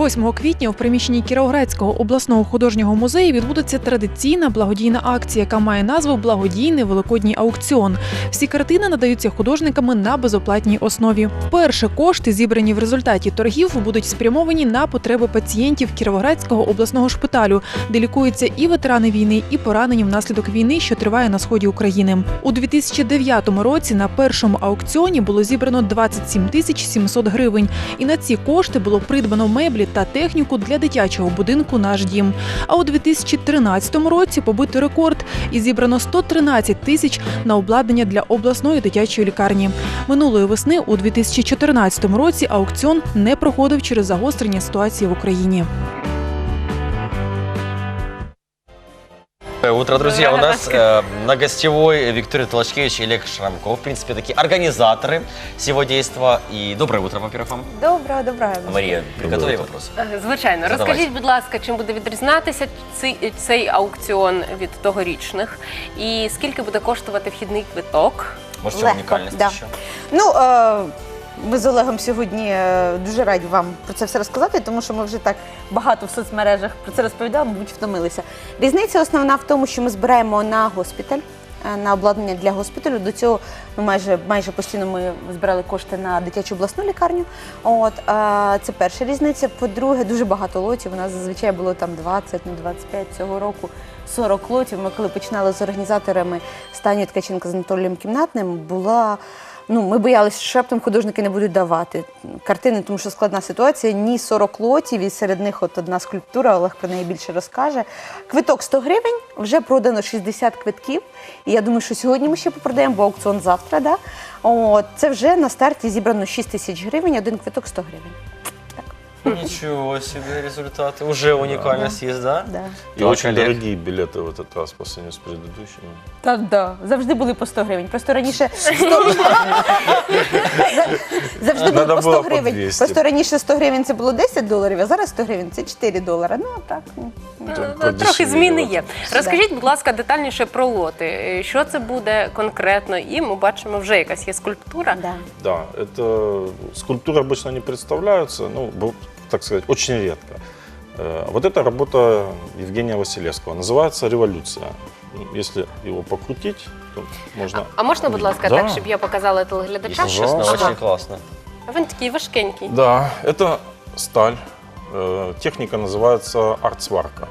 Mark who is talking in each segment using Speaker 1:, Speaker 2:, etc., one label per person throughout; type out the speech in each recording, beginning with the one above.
Speaker 1: 8 квітня у приміщенні Кіровоградського обласного художнього музею відбудеться традиційна благодійна акція, яка має назву «Благодійний великодній аукціон». Всі картини надаються художниками на безоплатній основі. Вперше кошти, зібрані в результаті торгів, будуть спрямовані на потреби пацієнтів Кіровоградського обласного шпиталю, де лікуються і ветерани війни, і поранені внаслідок війни, що триває на сході України. У 2009 році на першому аукціоні було зібрано 27 700 гривень. І на ці кошти було придбано меблі та техніку для дитячого будинку «Наш дім». А у 2013 році побито рекорд і зібрано 113 тисяч на обладнання для обласної дитячої лікарні. Минулої весни у 2014 році аукціон не проходив через загострення ситуації в Україні.
Speaker 2: Утро, друзья. У нас на гостевой Виктория Толочкевич и Олег Шрамков. В принципе, такие организаторы всего действа. И доброе утро, во-первых, вам.
Speaker 3: Доброго.
Speaker 2: Марія, приготові вопрос.
Speaker 4: Звичайно.
Speaker 2: Задавайте.
Speaker 4: Розкажіть, будь ласка, чим буде відрізнятися цей аукціон від тогорічних? І скільки буде коштувати вхідний квиток?
Speaker 2: Може, в чому унікальність
Speaker 3: да.
Speaker 2: ще?
Speaker 3: Ми з Олегом сьогодні дуже раді вам про це все розказати, тому що ми вже так багато в соцмережах про це розповідали, мабуть, втомилися. Різниця основна в тому, що ми збираємо на госпіталь, на обладнання для госпіталю. До цього майже постійно ми збирали кошти на дитячу обласну лікарню. Це перша різниця. По-друге, дуже багато лотів. У нас зазвичай було там 20, 25 цього року. 40 лотів. Ми коли починали з організаторами Станією Ткаченко з Анатолієм Кімнатним, ми боялися, що раптом художники не будуть давати картини, тому що складна ситуація. Ні 40 лотів, і серед них одна скульптура, Олег про неї більше розкаже. Квиток 100 гривень, вже продано 60 квитків. І я думаю, що сьогодні ми ще попродаємо, бо аукціон завтра. Да? Це вже на старті зібрано 6 тисяч гривень, один квиток 100 гривень.
Speaker 2: Ничего себе результаты. Уже уникальность есть, да?
Speaker 3: Да.
Speaker 5: И очень дорогие билеты в этот раз по сравнению с предыдущими.
Speaker 3: Так. Завжди були по 100 гривень. Просто раніше завжди було по 100 гривень. Просто раніше 100 гривень це було $10, а зараз 100 гривень це $4. Ну, так.
Speaker 4: Трохи зміни є. Розкажіть, будь ласка, детальніше про лоти. Що це буде конкретно? І ми бачимо, вже якась є скульптура.
Speaker 5: Да, это скульптуры обычно не представляются, так сказать, очень редко. Вот эта работа Евгения Василевского называется «Революция». Если его покрутить, то можно...
Speaker 4: А можна, будь ласка,
Speaker 5: Да.
Speaker 4: так, щоб я показала телеглядачам?
Speaker 2: Если честно, очень классно.
Speaker 4: Він такий важкенький.
Speaker 5: Да, это сталь. Техника называется артсварка.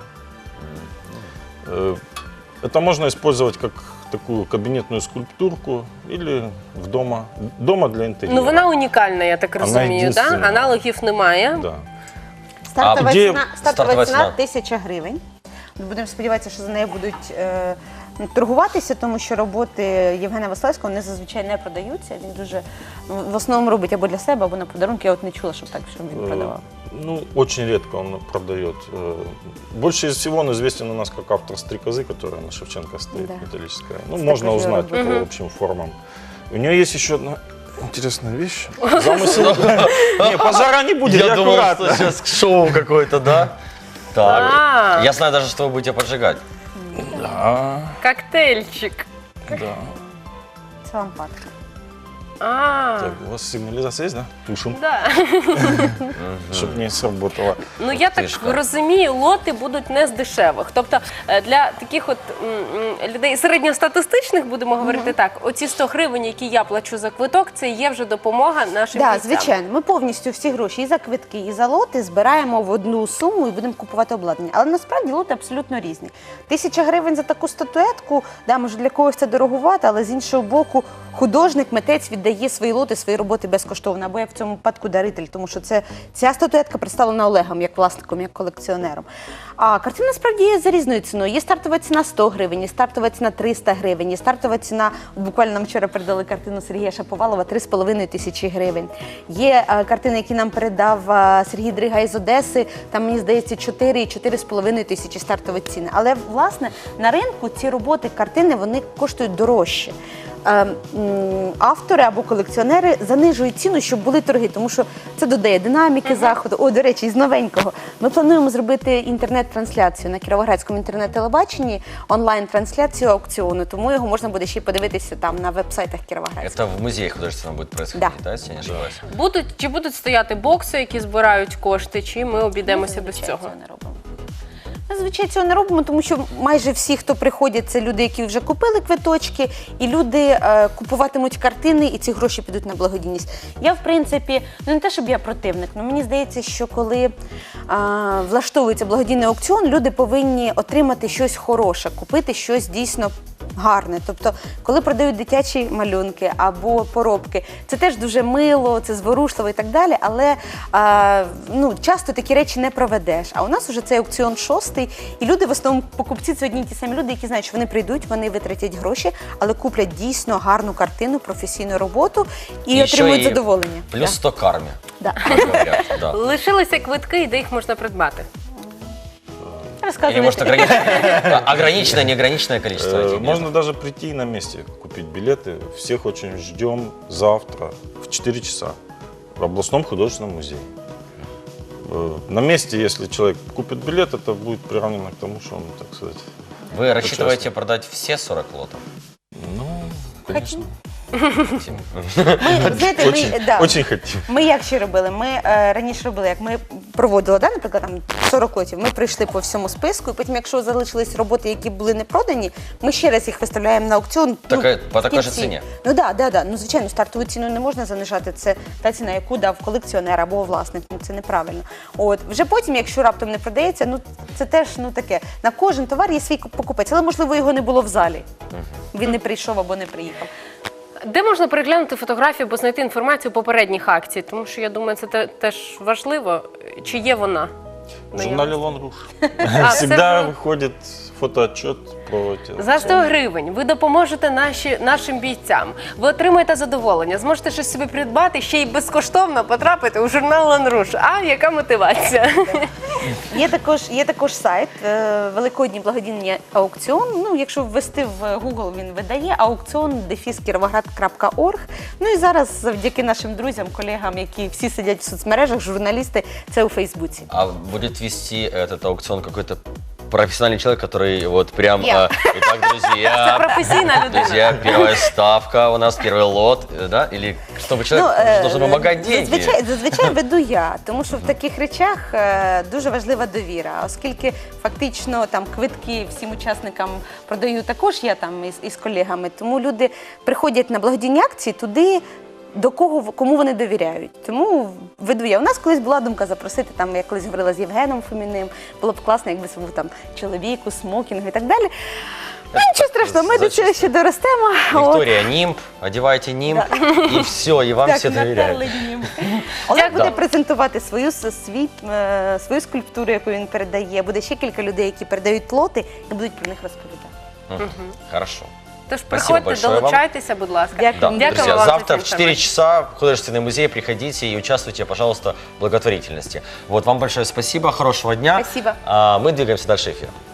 Speaker 5: Это можно использовать как такую кабинетную скульптурку или дома для интерьера.
Speaker 4: Ну, вона унікальна, я так розумію, да?
Speaker 5: єдинственна.
Speaker 4: Аналогів немає.
Speaker 5: Да.
Speaker 3: Стартова
Speaker 2: де
Speaker 3: ціна
Speaker 2: стартова ціна?
Speaker 3: 1000 гривень. Будемо сподіватися, що за нею будуть торгуватися, тому що роботи Євгена Василевського вони зазвичай не продаються. Він дуже в основному робить або для себе, або на подарунки. Я от не чула, щоб він продавав.
Speaker 5: Очень редко он продает. Больше из всего он известен у нас как автор «Стрекозы», которая на Шевченко стоит,
Speaker 3: Да.
Speaker 5: металлическая. Можно узнать по общим формам. У нее есть еще одна интересная вещь. Замысел. Не, пожара не будет,
Speaker 2: Я думал,
Speaker 5: аккуратно.
Speaker 2: что сейчас шоу какое-то, да? Так. Я знаю даже, что вы будете поджигать.
Speaker 5: Да,
Speaker 4: Коктейльчик.
Speaker 5: да.
Speaker 3: Це лампадка.
Speaker 5: Так, у вас сигнализация есть, да? Тушим,
Speaker 4: Да.
Speaker 5: чтобы не сработало.
Speaker 4: Ну, я так
Speaker 2: Тишка.
Speaker 4: розумію, лоти будуть не з дешевих. Тобто для таких от людей середньостатистичних, будемо говорити так, оці 100 гривень, які я плачу за квиток, це є вже допомога нашим
Speaker 3: Так,
Speaker 4: бійцям.
Speaker 3: звичайно. Ми повністю всі гроші і за квитки, і за лоти збираємо в одну суму і будемо купувати обладнання. Але насправді лоти абсолютно різні. 1000 гривень за таку статуетку, може для когось це дорогувати, але з іншого боку художник, митець віддає свої лоти, свої роботи безкоштовно. Або я в цьому випадку даритель, тому що ця статуетка представлена Олегом як власником, як колекціонером. А картина насправді є за різною ціною. Є стартова ціна 100 гривень, є стартова ціна 300 гривень, є стартова ціна, буквально нам вчора передали картину Сергія Шаповалова, 3,5 тисячі гривень. Є картини, які нам передав Сергій Дрига із Одеси, там, мені здається, 4,5 тисячі стартові ціни. Але, власне, на ринку ці роботи, картини, вони коштують дорожче. автори або колекціонери занижують ціну, щоб були торги, тому що це додає динаміки заходу. О, до речі, із новенького. Ми плануємо зробити інтернет-трансляцію на Кіровоградському інтернет-телебаченні, онлайн-трансляцію аукціону, тому його можна буде ще й подивитися там на веб-сайтах Кіровоградського.
Speaker 2: Это в музее художественном будет происходить, да, если я не ошибаюсь?
Speaker 4: Чи будуть стояти бокси, які збирають кошти, чи ми обійдемося без
Speaker 3: Зазвичай
Speaker 4: цього?
Speaker 3: цього не робимо. Ми зазвичай цього не робимо, тому що майже всі, хто приходять, це люди, які вже купили квиточки, і люди купуватимуть картини, і ці гроші підуть на благодійність. Я, в принципі, не те, щоб я противник, але мені здається, що коли влаштовується благодійний аукціон, люди повинні отримати щось хороше, купити щось дійсно гарне. Тобто, коли продають дитячі малюнки або поробки, це теж дуже мило, це зворушливо і так далі, але часто такі речі не проведеш. А у нас вже цей аукціон 6-й, і люди, в основному покупці, це одні й ті самі люди, які знають, що вони прийдуть, вони витратять гроші, але куплять дійсно гарну картину, професійну роботу і
Speaker 2: Еще
Speaker 3: отримують
Speaker 2: и
Speaker 3: задоволення.
Speaker 2: Плюс 100 карме,
Speaker 3: Да.
Speaker 2: как говорят, да.
Speaker 4: Лишилися квитки, і де їх можна придбати?
Speaker 2: Или
Speaker 3: Розказуйте.
Speaker 2: может ограниченное, неограниченное количество этих
Speaker 5: Можно
Speaker 2: билетов?
Speaker 5: даже прийти и на месте купить билеты. Всех очень ждем завтра в 4 часа в областном художественном музее. На месте, если человек купит билет, это будет приравнено к тому, что он, так сказать,
Speaker 2: Вы рассчитываете
Speaker 5: участник.
Speaker 2: продать все 40 лотов?
Speaker 5: Ну, конечно.
Speaker 2: Хотим.
Speaker 3: Ми, знаєте,
Speaker 5: Очень, очень хотим.
Speaker 3: Ми як ще робили? Ми раніше робили, як ми проводили, наприклад, там 40 лотів, ми прийшли по всьому списку, і потім, якщо залишились роботи, які були не продані, ми ще раз їх виставляємо на аукціон.
Speaker 2: По такій
Speaker 3: в
Speaker 2: же
Speaker 3: кінці.
Speaker 2: ціні?
Speaker 3: Ну так. Ну, звичайно, стартову ціну не можна занижати. Це та ціна, яку дав колекціонер або власник. Ну, це неправильно. От. Вже потім, якщо раптом не продається, ну це теж таке. На кожен товар є свій покупець, але, можливо, його не було в залі. Він не прийшов або не приїхав.
Speaker 4: Де можна переглянути фотографію або знайти інформацію попередніх акцій? Тому що, я думаю, це теж важливо. Чи є вона?
Speaker 5: В журнале «Лон Руж»
Speaker 4: А,
Speaker 5: всегда
Speaker 4: це
Speaker 5: выходит фотоотчет про те.
Speaker 4: За 100 гривень ви допоможете нашим бійцям. Ви отримаєте задоволення, зможете щось собі придбати, ще й безкоштовно потрапити у журнал «Лон Руж». А яка мотивація?
Speaker 3: Є також сайт Великодній благодійний аукціон. Ну, якщо ввести в Google, він видає aukcion-kirovograd.org. Ну і зараз завдяки нашим друзям, колегам, які всі сидять в соцмережах, журналісти, це у Фейсбуці.
Speaker 2: А будет вести этот аукцион какой-то профессиональный человек, который вот прям...
Speaker 3: Я.
Speaker 2: Итак,
Speaker 4: Це
Speaker 2: друзья,
Speaker 4: професійна людина.
Speaker 2: друзья, первая ставка у нас, первый лот, да? Или чтобы человек должен помогать деньги?
Speaker 3: Зазвичай веду я, тому що в таких речах дуже важлива довіра, оскільки фактично там квитки всім учасникам продаю також я там із колегами, тому люди приходять на благодійні акції туди, кому вони довіряють. Тому веду я. У нас колись була думка запросити, там, я колись говорила з Євгеном Фоміним, було б класно, якби це був там чоловік у смокінгу і так далі. Ну, нічого страшного, ми до цього ще доростемо.
Speaker 2: Виктория, нимб, одевайте нимб, и все, и вам все доверяют.
Speaker 3: Олег буде
Speaker 2: Да.
Speaker 3: презентувати свою скульптуру, яку він передає. Буде ще кілька людей, які передають лоти і будуть про них розповідати.
Speaker 2: Хорошо.
Speaker 4: Тож
Speaker 2: Спасибо
Speaker 4: приходьте,
Speaker 2: большое вам.
Speaker 4: долучайтеся, будь ласка.
Speaker 3: Дякую.
Speaker 2: Да,
Speaker 3: Дякую
Speaker 2: друзья,
Speaker 4: вам за
Speaker 2: завтра
Speaker 4: цю
Speaker 2: в 4
Speaker 4: информацию.
Speaker 2: часа в художественный музей приходите и участвуйте, пожалуйста, в благотворительности. Вот, вам большое спасибо, хорошего дня.
Speaker 3: Спасибо.
Speaker 2: Мы двигаемся дальше эфира.